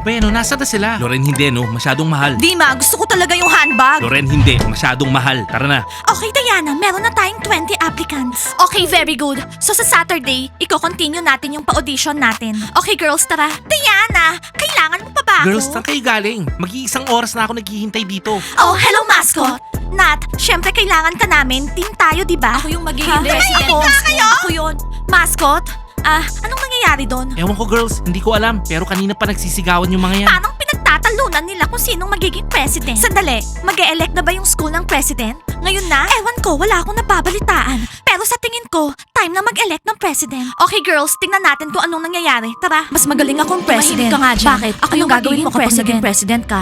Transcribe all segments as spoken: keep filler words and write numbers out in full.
Bueno, nasa na sila? Loren, hindi no. Masyadong mahal. Dima, gusto ko talaga yung handbag. Loren, hindi. Masyadong mahal. Tara na. Okay, Diana, meron na tayong twenty applicants. Okay, very good. So sa Saturday, i-continue natin yung pa-audition natin. Okay, girls, tara. Diana, kailangan mo pa ba ako? Girls, saan kayo galing? Mag-iisang oras na ako naghihintay dito. Oh, hello, mascot. Nat, syempre kailangan ka namin. Team tayo, di ba? Ako yung magiging president. Ako, kayo? Ako yun. Mascot? Ah, anong nangyayari doon? Ewan ko girls, hindi ko alam. Pero kanina pa nagsisigawan yung mga yan. Parang pinagtatalunan nila kung sinong magiging president. Sandali, mag-e-elect na ba yung school ng president? Ngayon na? Ewan ko, wala akong nababalitaan. Pero sa tingin ko, time na mag-elect ng president. Okay girls, tingnan natin kung anong nangyayari. Tara. Mas magaling akong president. Tumahimik ka nga dyan. Bakit? Ako yung gagawin mo kapag president. naging president ka.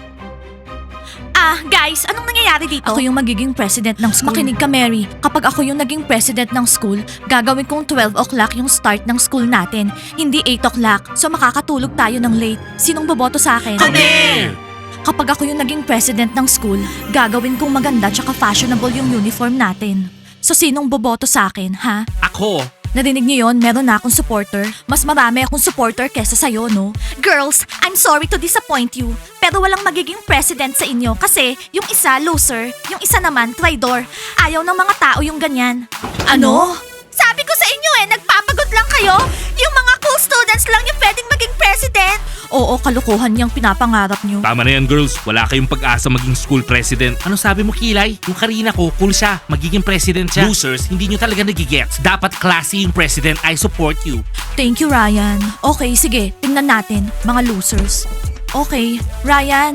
Ah, guys, anong nangyayari dito? Ako yung magiging president ng school. Makinig ka, Mary. Kapag ako yung naging president ng school, gagawin kong twelve o'clock yung start ng school natin. Hindi eight o'clock. So makakatulog tayo ng late. Sinong boboto sa akin? Kami! Kapag ako yung naging president ng school, gagawin kong maganda tsaka fashionable yung uniform natin. So sinong boboto sa akin, ha? Ako? Narinig niyo yon? Meron na akong supporter. Mas marami akong supporter kesa sa'yo, no? Girls, I'm sorry to disappoint you. Pero walang magiging president sa inyo kasi yung isa loser, yung isa naman traidor. Ayaw ng mga tao yung ganyan. Ano? Sabi ko sa inyo eh, nagpapagod lang kayo. Yung mga cool students lang yung pwedeng maging president. Oo, kalukuhan niyang pinapangarap niyo. Tama na yan girls, wala kayong pag-asa maging school president. Ano sabi mo Kilay? Yung Karina ko, cool siya, magiging president siya. Losers, hindi nyo talaga nagigets. Dapat classy yung president, I support you. Thank you, Ryan. Okay, sige, tingnan natin, mga losers. Okay, Ryan.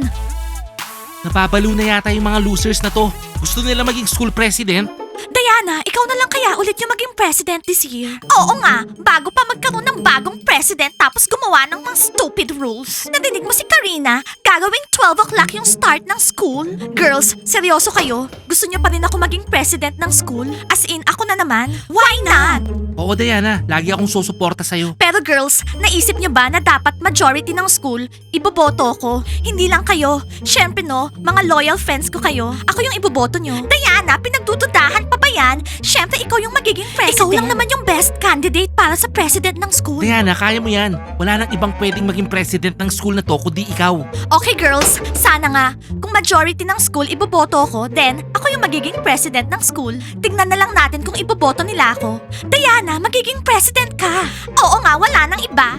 Napapalo na yata yung mga losers na to. Gusto nila maging school president? Diana, ikaw na lang kaya ulit yung maging president this year? Oo nga, bago pa magkaroon ng bagong president tapos gumawa ng mga stupid rules. Nadinig mo si Karina, gagawing twelve o'clock yung start ng school? Girls, seryoso kayo? Gusto niyo pa rin ako maging president ng school? As in, ako na naman? Why not? Oo Diana, lagi akong susuporta sa'yo. Pero girls, naisip niyo ba na dapat majority ng school, iboboto ko? Hindi lang kayo. Siyempre no, mga loyal friends ko kayo. Ako yung iboboto niyo. Diana, pinagdududahan pa ba yan? Siyempre ikaw yung magiging president. Ikaw lang naman yung best candidate para sa president ng school. Diana, kaya mo yan. Wala nang ibang pwedeng maging president ng school na to kundi ikaw. Okay girls, sana nga. Kung majority ng school iboboto ko, then ako yung magiging president ng school. Tingnan na lang natin kung iboboto nila ako. Diana, magiging president ka. Oo nga, wala nang iba.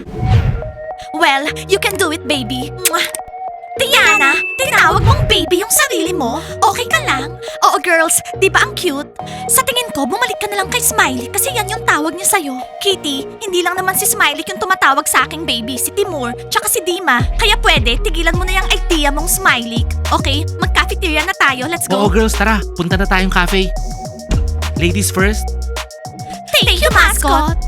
Well, you can do it, baby. Mwah! Diana, tinawag mong baby yung sarili mo? Okay ka lang? Oo girls, di ba ang cute? Sa tingin ko, bumalik ka na lang kay Smiley kasi yan yung tawag niya sa'yo. Kitty, hindi lang naman si Smiley yung tumatawag sa aking baby, si Timur, tsaka si Dima. Kaya pwede, tigilan mo na yung idea mong Smiley. Okay, mag-cafeteria na tayo, let's Oo go. girls, tara. Punta na tayong cafe. Ladies first. Thank you, mascot.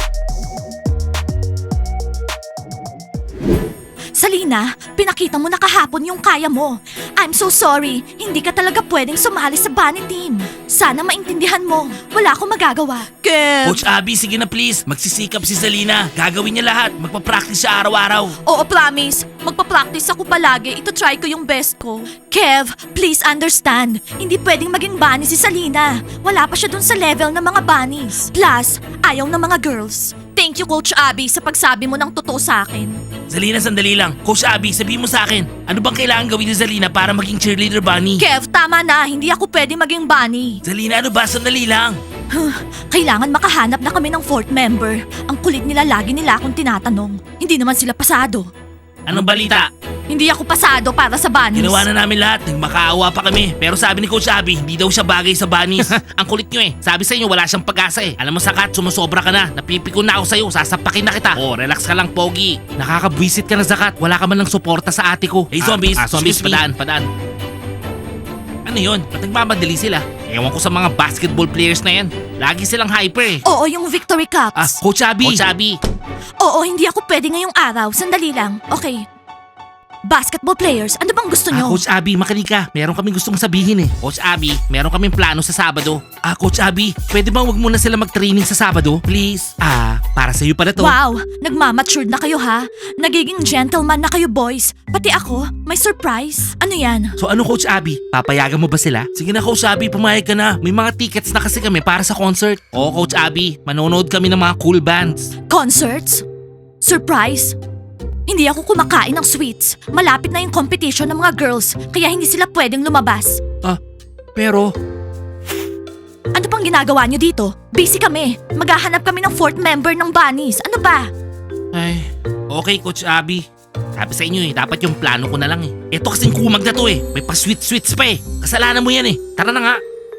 Salina, pinakita mo na kahapon yung kaya mo. I'm so sorry, hindi ka talaga pwedeng sumali sa bunny team. Sana maintindihan mo, wala akong magagawa. Kev! Coach Abby, sige na please. Magsisikap si Zalina. Gagawin niya lahat. Magpa-practice siya araw-araw. Oo, promise. Magpa-practice ako palagi. Ito try ko yung best ko. Kev, please understand. Hindi pwedeng maging bunny si Salina. Wala pa siya dun sa level ng mga bunnies. Plus, ayaw ng mga girls. Thank you, Coach Abby, sa pagsabi mo ng totoo sa akin. Zalina, sandali lang. Coach Abby, sabihin mo sa akin, ano bang kailangan gawin ni Zalina para maging cheerleader bunny? Kev, tama na. Hindi ako pwede maging bunny. Zalina, ano ba? Sandali lang. Kailangan makahanap na kami ng fourth member. Ang kulit nila, lagi nila akong tinatanong. Hindi naman sila pasado. Anong balita? Hindi ako pasado para sa bunnies. Ginawa na namin lahat. Nagmakaawa pa kami. Pero sabi ni Coach Abby, hindi daw siya bagay sa bunnies. Ang kulit nyo eh. Sabi sa inyo, wala siyang pag-asa eh. Alam mo Sakat, sumusobra ka na. Napipikon na ako sa'yo. Sasapakin na kita. Oh, relax ka lang, Pogi. Nakakabwisit ka na Sakat. Wala ka man lang suporta sa ate ko. Hey, zombies. Ah, zombies, padaan, padaan. Ano yun? Ba't nagmamadali sila? Ewan ko sa mga basketball players na yan. Lagi silang hyper eh. Oo, yung Victory Cups. Ah, Coach Abby. Coach Abby. Oo, hindi ako pwede ngayong araw. Sandali lang. Okay. Basketball players, ano bang gusto Ah, nyo? Coach Abby, makinig ka. Meron kaming gustong sabihin eh. Coach Abby, meron kaming plano sa Sabado. Ah, Coach Abby, pwede bang wag muna sila mag-training sa Sabado? Please. Ah, para sa'yo pala to. Wow, nagmamatured na kayo ha? Nagiging gentleman na kayo boys. Pati ako, may surprise. Ano yan? So ano Coach Abby, papayagan mo ba sila? Sige na Coach Abby, pumayag ka na. May mga tickets na kasi kami para sa concert. Oo Coach Abby, manonood kami ng mga cool bands. Concerts? Surprise? Hindi ako kumakain ng sweets. Malapit na yung competition ng mga girls, kaya hindi sila pwedeng lumabas. Ah, pero... Ano pang ginagawa niyo dito? Busy kami. Maghahanap kami ng fourth member ng bunnies. Ano ba? Ay, okay Coach Abby. Sabi sa inyo eh, dapat yung plano ko na lang eh. Ito kasing kumag na to eh. May pa-sweet-sweets pa eh. Kasalanan mo yan eh. Tara na nga.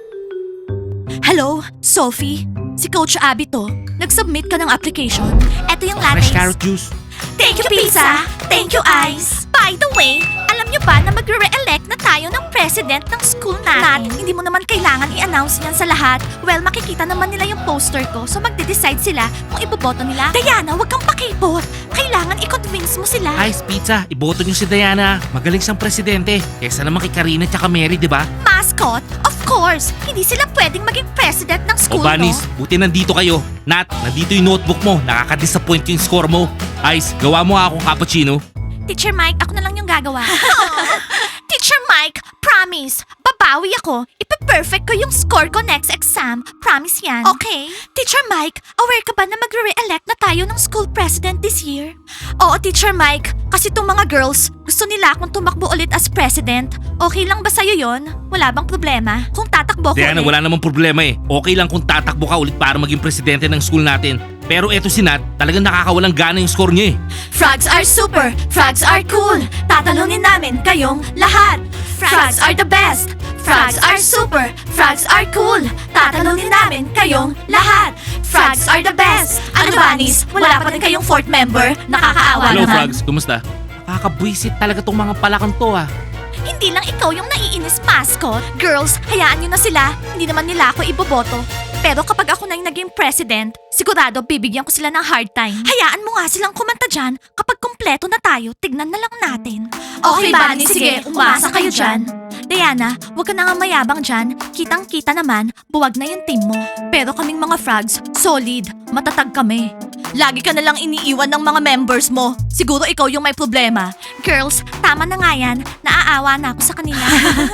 Hello, Sophie? Si Coach Abby to. Nag-submit ka ng application. Eto yung Fresh lattes. carrot juice. Thank you, pizza. Thank you, ice. By the way, alam nyo ba na magre-re-elect na tayo ng president ng school natin? Nat, hindi mo naman kailangan i-announce niyan sa lahat. Well, makikita naman nila yung poster ko, so magde-decide sila kung iboboto nila. Diana, wag kang pakipot. Kailangan i-convince mo sila. Ice Pizza, iboto niyo si Diana. Magaling siyang presidente. Kesa naman kay Karina at Mary, di ba? Mascot? Of course. Hindi sila pwedeng maging president ng O school, Banis, no? buti nandito kayo. Nat, nandito yung notebook mo. Nakaka-disappoint yung score mo. Ice, gawa mo nga akong cappuccino. Teacher Mike, ako na lang yung gagawa. Teacher Mike, promise. Babawi ako. Ipa-perfect ko yung score ko next exam. Promise yan. Okay. Teacher Mike, aware ka ba na magre-re-elect na tayo ng school president this year? Oo, Teacher Mike. Kasi tong mga girls, gusto nila akong tumakbo ulit as president. Okay lang ba sa'yo yon? Wala bang problema? Kung tatakbo ko Diana, ulit? wala namang problema eh. Okay lang kung tatakbo ka ulit para maging presidente ng school natin. Pero eto si Nat, talagang nakakawalang gana yung score niya eh. Frogs are super. Frogs are cool. Tatalunin namin kayong lahat. Frogs are the best. Frogs are super. Frogs are cool. Tatalunin namin kayong lahat. Frogs are the best. Ano, bunnies? Wala pa rin kayong fourth member? Nakakaawa Hello naman. Frogs, kumusta? Nakakabwisit talaga tong mga palakang to ah. Hindi lang ikaw yung naiinis, mascot. Girls, hayaan nyo na sila. Hindi naman nila ako iboboto. Pero kapag ako na yung naging president, sigurado bibigyan ko sila ng hard time. Hayaan mo nga silang kumanta dyan. Kapag kumpleto na tayo, tignan na lang natin. Okay, Bunny, sige, umasa kayo dyan. Diana, huwag ka na nga mayabang dyan. Kitang-kita naman, buwag na yung team mo. Pero kaming mga frogs, solid, matatag kami. Lagi ka nalang iniiwan ng mga members mo. Siguro ikaw yung may problema. Girls, tama na nga yan. Naaawa na ako sa kanila.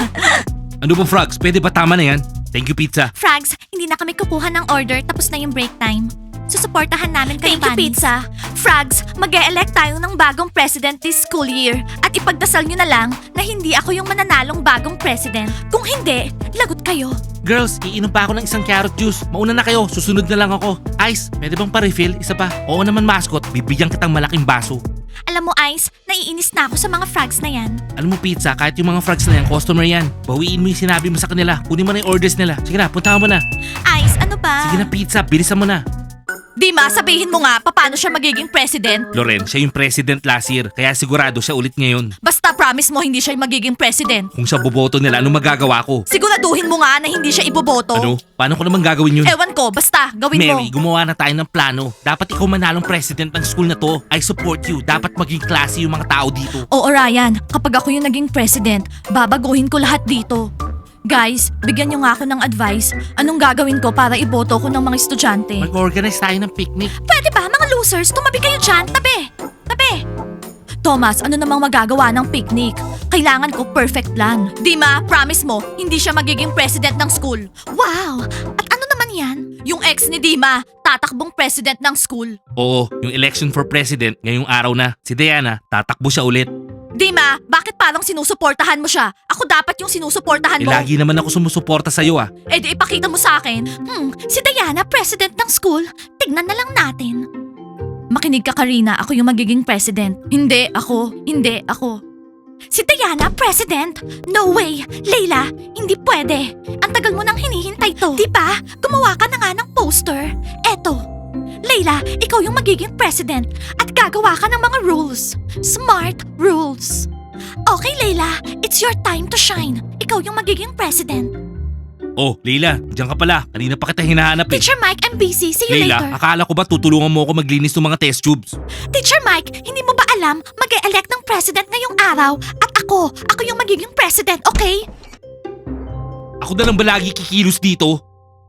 Ano ba Frogs, pwede ba tama na yan? Thank you Pizza. Frags, hindi na kami kukuha ng order tapos na yung break time. Susuportahan namin kayo, Thank you, bunnies. Pizza. Frags, mag-e-elect tayo ng bagong president this school year. At ipagdasal nyo na lang na hindi ako yung mananalong bagong president. Kung hindi, lagot kayo. Girls, iinom pa ako ng isang carrot juice. Mauna na kayo, susunod na lang ako. Ice, pwede bang pa-refill? Isa pa. Oo naman mascot, bibigyan kitang malaking baso. Alam mo, Ice, naiinis na ako sa mga frags na yan. Alam mo Pizza, kahit yung mga frogs na yan, customer yan. Bawiin mo yung sinabi mo sa kanila. Kunin mo na yung orders nila. Sige na, puntahan mo na. Ice, ano ba? Sige na Pizza, bilisan mo na. Dima, sabihin mo nga, paano siya magiging president? Loren, siya yung president last year, kaya sigurado siya ulit ngayon. Basta promise mo hindi siya yung magiging president. Kung siya boboto nila, anong magagawa ko? Siguraduhin mo nga na hindi siya iboboto. Ano? Paano ko naman gagawin yun? Ewan ko, basta, gawin Mary, mo. gumawa na tayo ng plano. Dapat ikaw manalong president ng school na to. I support you. Dapat maging classy yung mga tao dito. Oo, Ryan, kapag ako yung naging president, babaguhin ko lahat dito. Guys, bigyan niyo nga ako ng advice. Anong gagawin ko para iboto ko ng mga estudyante? Mag-organize tayo ng picnic. Pwede ba, mga losers, tumabi kayo dyan. Tabi! Tabi! Thomas, ano namang magagawa ng picnic? Kailangan ko perfect plan. Dima, promise mo, hindi siya magiging president ng school. Wow! At ano naman yan? Yung ex ni Dima, tatakbong president ng school. Oo, yung election for president ngayong araw na. Si Diana, tatakbo siya ulit. Dima, bakit parang sinusuportahan mo siya? Ako dapat yung sinusuportahan Eh, mo. lagi naman ako sumusuporta sa'yo ah. Eh di ipakita mo sa akin. Hmm, si Diana, president ng school. Tignan na lang natin. Makinig ka, Karina. Ako yung magiging president. Hindi, ako. Hindi, ako. Si Diana, president? No way! Layla, hindi pwede. Ang tagal mo nang hinihintay to. Di ba? Gumawa ka na nga ng poster. Eto. Layla, ikaw yung magiging president at gagawa ka ng mga rules. Smart rules. Okay, Layla, it's your time to shine. Ikaw yung magiging president. Oh, Leila, diyan ka pala. Kanina pa kita hinahanap eh. Teacher Mike, I'm busy. See you Leila, later. akala ko ba tutulungan mo ako maglinis ng mga test tubes? Teacher Mike, hindi mo ba alam mag-e-elect ng president ngayong araw? At ako, ako yung magiging president, okay? Ako na lang ba lagi kikilos dito?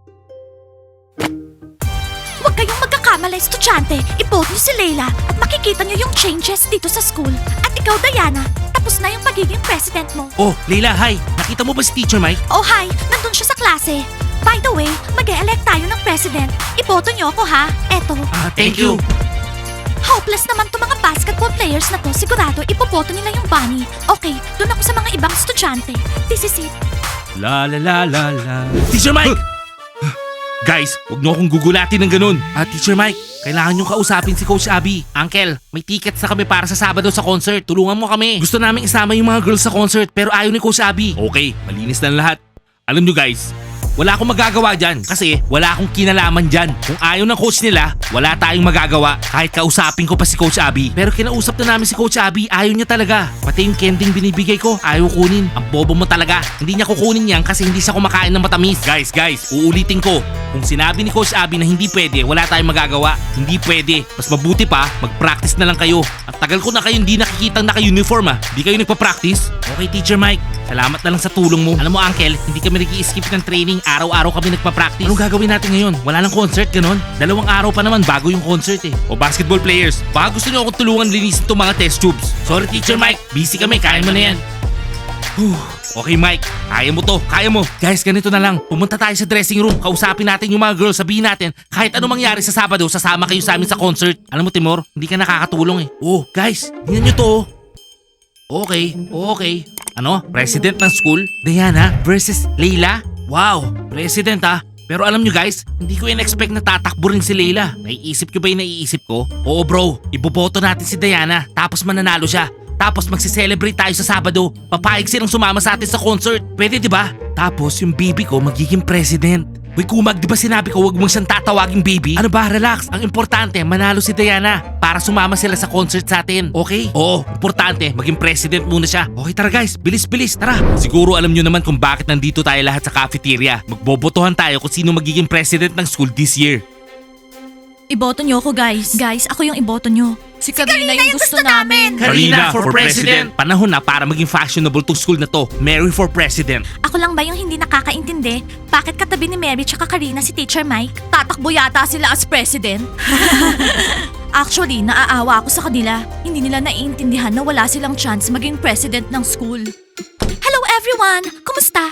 Huwag kayong magkakamala, estudyante. I-vote niyo si Layla at makikita niyo yung changes dito sa school. At ikaw, Diana, tapos na yung pagiging president mo. Oh, Leila, hi. Nakita mo ba si Teacher Mike? Oh, hi! Nandun siya sa klase. By the way, mag-e-elect tayo ng president. Iboto niyo ako, ha? Eto. Ah, thank you. Hopeless naman to mga basketball players na to. Sigurado, ipoboto nila yung bunny. Okay, dun ako sa mga ibang estudyante. This is it. La la la la la. Teacher Mike! Guys, huwag niyo akong gugulatin ng ganun. Ah, Teacher Mike, kailangan niyong kausapin si Coach Abby. Uncle, may tickets na kami para sa Sabado sa concert. Tulungan mo kami. Gusto namin isama yung mga girls sa concert pero ayaw ni Coach Abby. Okay, malinis na lahat. Alam niyo guys, wala akong magagawa dyan kasi wala akong kinalaman dyan. Kung ayaw ng coach nila, wala tayong magagawa kahit kausapin ko pa si Coach Abby. Pero kinausap na namin si Coach Abby, ayaw niya talaga. Pati yung kending binibigay ko, ayaw kunin. Ang bobo mo talaga. Hindi niya kukunin yan kasi hindi siya kumakain ng matamis. Guys, guys, uulitin ko. Kung sinabi ni Coach Abby na hindi pwede, wala tayong magagawa. Hindi pwede. Mas mabuti pa, mag-practice na lang kayo. Ang tagal ko na kayo hindi nakikitang naka-uniform ah. Hindi kayo nagpa-practice? Okay, Teacher Mike. Salamat na lang sa tulong mo. Alam mo, Uncle, hindi kami nag-i-skip ng training. Araw-araw kami nagpa-practice. Anong gagawin natin ngayon? Wala nang concert, ganon? Dalawang araw pa naman bago yung concert eh. O basketball players, baka gusto niyo akong tulungan linisin itong mga test tubes. Sorry, Teacher Mike. Busy kami. Kaya mo na yan. Whew. Okay, Mike. Kaya mo to. Kaya mo. Guys, ganito na lang. Pumunta tayo sa dressing room. Kausapin natin yung mga girls. Sabihin natin, kahit ano mangyari sa Sabado, sasama kayo sa amin sa concert. Alam mo, Timor, hindi ka nakakatulong eh. Oh, guys, tingnan nyo to. oh. Okay, okay. Ano? President ng school? Diana versus Leila? Wow, president ah. Pero alam nyo guys, hindi ko in-expect na tatakbo rin si Leila. Naiisip ko ba yung naiisip ko? Oo bro, iboboto natin si Diana tapos mananalo siya. Tapos magse-celebrate tayo sa Sabado. Papayag silang sumama sa atin sa concert. Pwede di ba? Tapos yung baby ko magiging president. Uy Kumag, di ba sinabi ko wag mong siyang tatawaging baby? Ano ba, relax. Ang importante, manalo si Diana para sumama sila sa concert sa atin. Okay? Oo, importante, maging president muna siya. Okay, tara guys, bilis-bilis, tara. Siguro alam nyo naman kung bakit nandito tayo lahat sa cafeteria. Magbobotohan tayo kung sino magiging president ng school this year. Iboto nyo ako, guys. Guys, ako yung iboto nyo. Si Karina, yung, gusto, namin. Karina for president. Panahon na para maging fashionable tong school na to. Mary for president. Ako lang ba yung hindi nakakaintindi? Bakit katabi ni Mary tsaka Karina si Teacher Mike? Tatakbo yata sila as president? Actually, naaawa ako sa kanila. Hindi nila naiintindihan na wala silang chance maging president ng school. Hello everyone! Kumusta?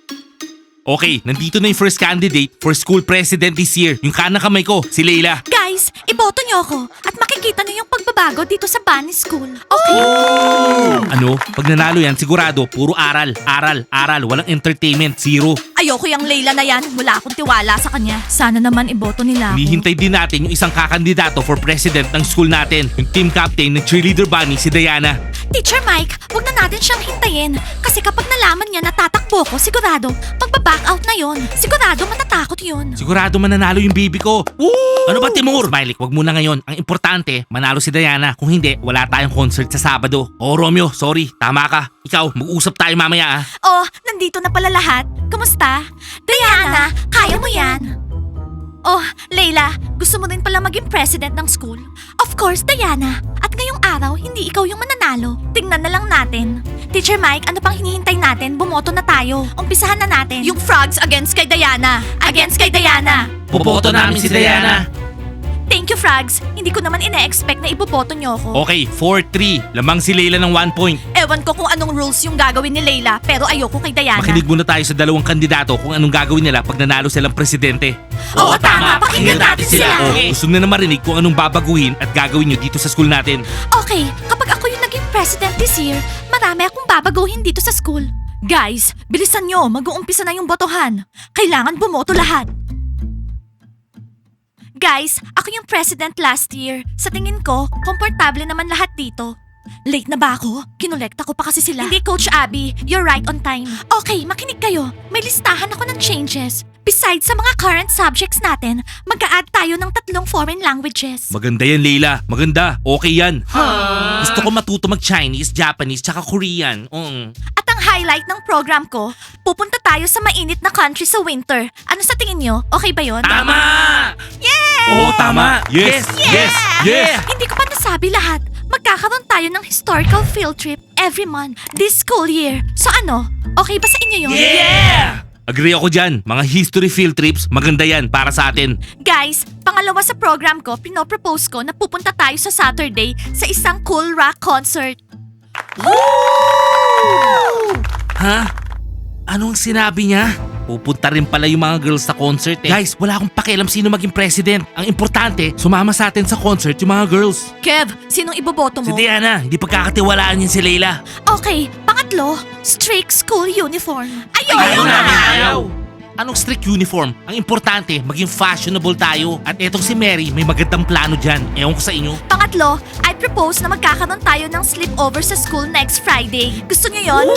Okay, nandito na yung first candidate for school president this year. Yung kanang kamay ko, si Leila. Guys, iboto nyo ako at makikita nyo yung pagbabago dito sa Bunny School. Okay? Ano? Pag nanalo yan, sigurado, puro aral, aral, aral. Walang entertainment, zero. Ayoko yung Layla na yan. Wala akong tiwala sa kanya. Sana naman iboto nila ako. Hinihintay din natin yung isang kakandidato for president ng school natin. Yung team captain ng cheerleader bunny, si Diana. Teacher Mike, wag na natin siyang hintayin. Kasi kapag nalaman niya na tatakbo ko, sigurado, magbaback out na yon. Sigurado matatakot yon. Sigurado mananalo yung baby ko. Woo! Ano ba, Timur? Smiley, wag muna ngayon. Ang importante, manalo si Diana. Kung hindi, wala tayong concert sa Sabado. Oh, Romeo, sorry. Tama ka. Ikaw, mag-usap tayo mamaya ah. Oh, nandito na pala lahat. Kumusta? Diana, kaya mo yan. Oh, Layla, gusto mo din pala maging president ng school? Of course, Diana. At ngayong araw, hindi ikaw yung mananalo. Tingnan na lang natin. Teacher Mike, ano pang hinihintay natin? Bumoto na tayo. Umpisahan na natin. Yung frogs against kay Diana. Against kay Diana. Boboto namin si Diana. Thank you, Frogs. Hindi ko naman ina-expect na iboboto niyo ako. Okay, four three. Lamang si Leila ng one point. Ewan ko kung anong rules yung gagawin ni Layla, pero ayoko kay Diana. Makinig muna tayo sa dalawang kandidato kung anong gagawin nila pag nanalo silang presidente. Oo, tama. Pakinggan natin sila. Okay. Gusto na na marinig kung anong babaguhin at gagawin nyo dito sa school natin. Okay, kapag ako yung naging president this year, marami akong babaguhin dito sa school. Guys, bilisan nyo. Mag-uumpisa na yung botohan. Kailangan bumoto lahat. Guys, ako yung president last year. Sa tingin ko, komportable naman lahat dito. Late na ba ako? Kinolekta ko pa kasi sila. Hindi, Coach Abby. You're right on time. Okay, makinig kayo. May listahan ako ng changes. Besides sa mga current subjects natin, mag-a-add tayo ng tatlong foreign languages. Maganda yan, Leila. Maganda. Okay yan. Gusto ko matuto mag-Chinese, Japanese, tsaka Korean. Mm. At ang highlight ng program ko, pupunta tayo sa mainit na country sa winter. Ano sa tingin nyo? Okay ba yon? Tama! Yeah! Oo, tama! Yes! Yes! Yes! Hindi ko pa nasabi lahat. Magkakaroon tayo ng historical field trip every month this school year. So ano? Okay ba sa inyo yun? Yeah! Agree ako dyan. Mga history field trips, maganda yan para sa atin. Guys, pangalawa sa program ko, pinopropose ko na pupunta tayo sa Saturday sa isang cool rock concert. Ha? Anong sinabi niya? pupunta rin pala yung mga girls sa concert eh. Guys, wala akong pakialam sino maging president. Ang importante, sumama sa atin sa concert yung mga girls. Kev, sinong iboboto Si mo? Diana, hindi pagkakatiwalaan yun si Leila. Okay, pangatlo, strict school uniform. Ayaw, Ayaw namin, ayaw! Anong strict uniform? Ang importante, maging fashionable tayo. At etong si Mary, may magandang plano dyan. Ewan ko sa inyo. Pangatlo, I propose na magkakaroon tayo ng sleepover sa school next Friday. Gusto niyo yon?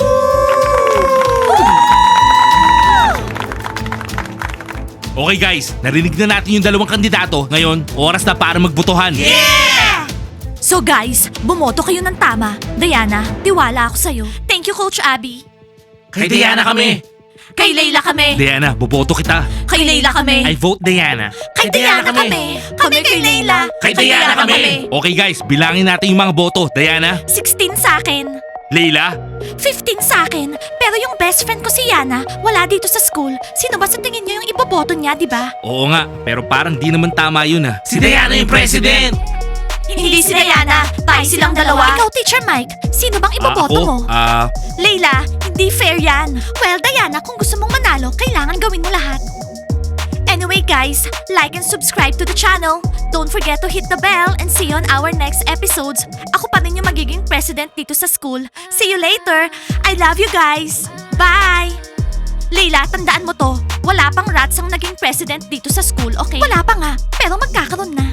Okay guys, narinig na natin yung dalawang kandidato. Ngayon, oras na para magbotohan. So guys, bumoto kayo ng tama. Diana, tiwala ako sa'yo. Thank you, Coach Abby. Kay Diana kami. Kay Layla kami. Diana, boboto kita. Kay Layla kami. I vote Diana. Kay Diana kami. Kami kay Layla. Kay Diana kami. Okay guys, bilangin natin yung mga boto. Diana, sixteen sa akin. Leila, fifteen sa akin. Pero yung best friend ko si Yana, wala dito sa school. Sino ba sa tingin niyo yung iboboto niya, di ba? oo nga, pero parang di naman tama yun ah. Si Diana yung president! Hindi si Diana. Tayo silang dalawa. Ikaw, Teacher Mike. Sino bang iboboto Ah, ako? mo? Ah, Layla, hindi fair yan. Well, Diana, kung gusto mong manalo, kailangan gawin mo lahat. Anyway guys, like and subscribe to the channel. Don't forget to hit the bell and see you on our next episodes. Ako pa rin yung magiging president dito sa school. See you later. I love you guys. Bye! Layla, tandaan mo to. Wala pang rats ang naging president dito sa school, okay? Wala pa nga, pero magkakaroon na.